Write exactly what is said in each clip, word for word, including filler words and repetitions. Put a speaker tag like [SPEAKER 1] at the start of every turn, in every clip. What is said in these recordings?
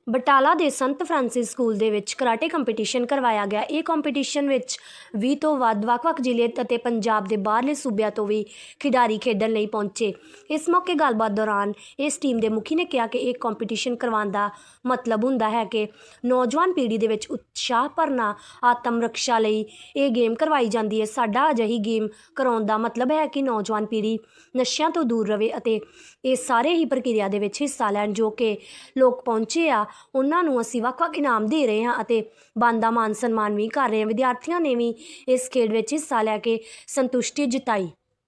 [SPEAKER 1] ਬਟਾਲਾ ਦੇ ਸੰਤ Francis school ਦੇ ਵਿੱਚ ਕਰਾਟੇ ਕੰਪੀਟੀਸ਼ਨ ਕਰਵਾਇਆ ਗਿਆ। ਇਹ ਕੰਪੀਟੀਸ਼ਨ ਵਿੱਚ ਵੀਹ ਤੋਂ ਵੱਧ ਵੱਖ-ਵੱਖ ਜ਼ਿਲ੍ਹੇ ਅਤੇ ਪੰਜਾਬ ਦੇ ਬਾਹਰਲੇ ਸੂਬਿਆਂ ਤੋਂ ਵੀ ਖਿਡਾਰੀ ਖੇਡਣ ਲਈ ਪਹੁੰਚੇ। ਇਸ ਮੌਕੇ ਗੱਲਬਾਤ ਦੌਰਾਨ ਇਸ ਟੀਮ ਦੇ ਮੁਖੀ ਨੇ ਕਿਹਾ ਕਿ ਇਹ ਕੰਪੀਟੀਸ਼ਨ ਕਰਵਾਉਣ ਦਾ ਮਤਲਬ ਹੁੰਦਾ ਹੈ ਕਿ ਨੌਜਵਾਨ ਪੀੜ੍ਹੀ ਦੇ ਵਿੱਚ ਉਤਸ਼ਾਹ ਭਰਨਾ। ਆਤਮ ਰੱਖਿਆ ਲਈ ਇਹ ਗੇਮ ਕਰਵਾਈ ਜਾਂਦੀ ਹੈ। ਸਾਡਾ ਅਜਿਹੀ ਗੇਮ ਕਰਾਉਣ ਦਾ ਮਤਲਬ ਹੈ ਕਿ ਨੌਜਵਾਨ ਪੀੜ੍ਹੀ ਨਸ਼ਿਆਂ ਤੋਂ ਦੂਰ ਰਹੇ ਅਤੇ ਇਹ ਸਾਰੇ ਹੀ ਪ੍ਰਕਿਰਿਆ ਦੇ ਵਿੱਚ ਹਿੱਸਾ ਲੈਣ। ਜੋ ਕਿ ਲੋਕ ਪਹੁੰਚੇ ਆ ਉਹਨਾਂ ਨੂੰ ਅਸੀਂ ਵੱਖ-ਵੱਖ ਇਨਾਮ ਦੇ ਰਹੇ ਹਾਂ ਅਤੇ ਬਣਦਾ ਮਾਨ ਸਨਮਾਨ ਵੀ ਕਰ ਰਹੇ ਹਾਂ। ਵਿਦਿਆਰਥੀਆਂ ਨੇ ਵੀ ਇਸ ਖੇਡ ਵਿੱਚ ਹਿੱਸਾ ਲੈ ਕੇ ਸੰਤੁਸ਼ਟੀ ਜਤਾਈ।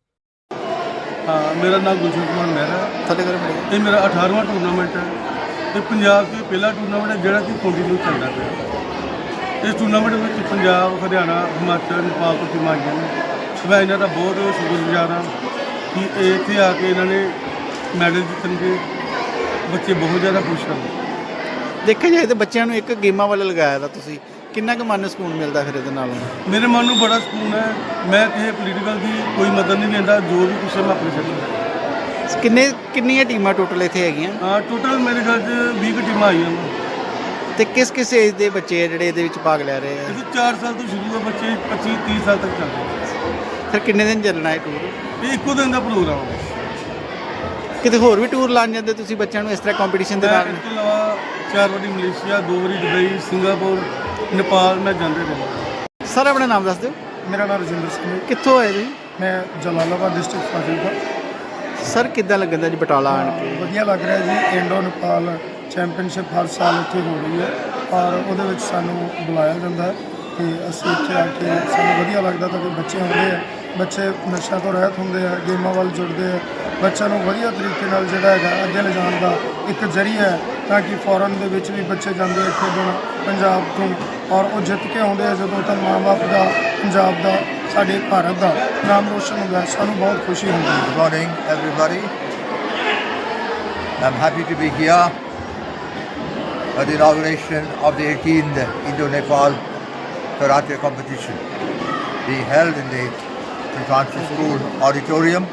[SPEAKER 2] हाँ, मेरा नाम गुलशन कुमार मेहरा है। ये मेरा अठारहवां टूरनामेंट है। ये पंजाब के पहला टूरनामेंट है जोड़ा कि कंटिन्यू चलता है। इस टूरनामेंट में पंजाब, हरियाणा, हिमाचल, नेपाल तो टीम आई हैं। मैं इन्हों का बहुत शुक्रगुजार हाँ कि इतने आके इन्होंने मैडल जितने बच्चे बहुत ज़्यादा खुश हैं।
[SPEAKER 3] देखा जाए तो बच्चों को एक गेमां वाले लगाया था तुसी किन्ना क मन सकून मिलता फिर ये नाल?
[SPEAKER 2] मेरे मन में बड़ा सकून है। मैं किसी पोलीटिकल की कोई मदद नहीं लेता, जो भी कुछ है मैं अपने से
[SPEAKER 3] किन्ने किन्नियां टीमां टोटल इत्थे हैगियां?
[SPEAKER 2] हाँ, टोटल मेरे ख्याल से बीस टीमां आई हैं।
[SPEAKER 3] ते किस किस एज दे बच्चे जिहड़े इहदे विच भाग लै रहे हैं?
[SPEAKER 2] चार साल तो शुरू है, बच्चे पच्चीस तीस साल तक चल रहे हैं।
[SPEAKER 3] फिर किन्ने दिन चलना है टूर?
[SPEAKER 2] ये इक्को दिन का प्रोग्राम है।
[SPEAKER 3] किते होर भी टूर लान जांदे तुसीं बच्चों नूं इस तरह कंपीटीशन दे नाल?
[SPEAKER 2] इस तो अलावा चार बारी मलेशिया, दो बारी दुबई, सिंगापुर, नेपाल में जाते रहे।
[SPEAKER 3] सर अपना नाम दस दो।
[SPEAKER 2] मेरा नाम राजिंदर सिंह है।
[SPEAKER 3] कित्थों आए जी?
[SPEAKER 2] मैं जलालाबाद डिस्ट्रिक्ट फाजिलका।
[SPEAKER 3] सर किद्दां लगदा जी बटाला आण के?
[SPEAKER 2] वधिया लग रहा है जी। इंडो नेपाल चैंपीयनशिप हर साल इत्थे हो रही है और उहदे विच सानूं बुलाया जाता है कि असीं इत्थे आके सानूं वधिया लगदा तां कि बच्चे आउंदे हैं, बच्चे नशा तो रहत होंदे हैं, गेमां वल जुड़दे हैं। बच्चों को वधिया तरीके नाल जिहड़ा हैगा अगे ले जाण दा एक जरिया है ताकि फॉरन दे विच भी बच्चे जांदे हैं खेडण पंजाब तो और वो जित के आउंदे हैं जदों तां माँ बाप दा पंजाब दा साडे भारत दा नाम रोशन हुंदा है। सानूं बहुत खुशी हुंदी है।
[SPEAKER 4] Good morning everybody. I'm happy to be here at the inauguration of the eighteenth Indo-Nepal Karate competition being held in the Saint Francis School auditorium.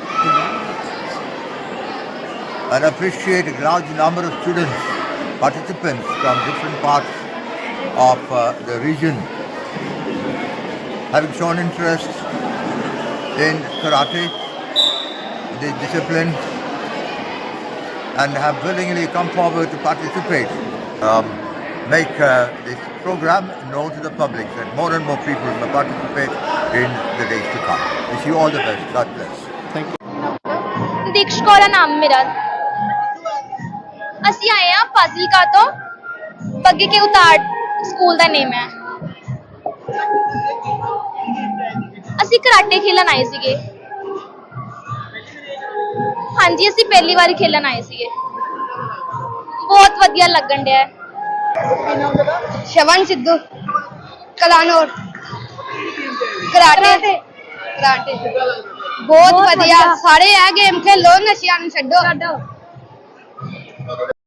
[SPEAKER 4] And appreciate a large number of students, participants from different parts of uh, the region having shown interest in karate, the discipline, and have willingly come forward to participate. Um, make uh, this program known to the public that more and more people will participate in the days to come. Wish you all the best. God bless.
[SPEAKER 3] Thank you.
[SPEAKER 5] दीक्ष Kaur नाम मेरा। ਅਸੀਂ ਆਏ ਆ ਫਾਜ਼ਿਲਕਾ ਤੋਂ। ਬੱਗੇ ਕੇ ਉਤਾਰ school ਦਾ ਨੇਮ ਹੈ। ਅਸੀਂ karate ਖੇਲਣ ਆਏ ਸੀਗੇ। ਹਾਂਜੀ, ਅਸੀਂ ਪਹਿਲੀ ਵਾਰ ਖੇਲਣ ਆਏ ਸੀਗੇ। ਬਹੁਤ ਵਧੀਆ ਲੱਗਣ ਡਿਆ। ਸ਼ਵਨ ਸਿੱਧੂ ਕਲਾਨੌਰ ਕਰਾਟੇ ਕਰਾਟੇ ਬਹੁਤ ਵਧੀਆ। ਸਾਰੇ ਇਹ ਗੇਮ ਖੇਲੋ, ਨਸ਼ਿਆਂ ਨੂੰ ਛੱਡੋ।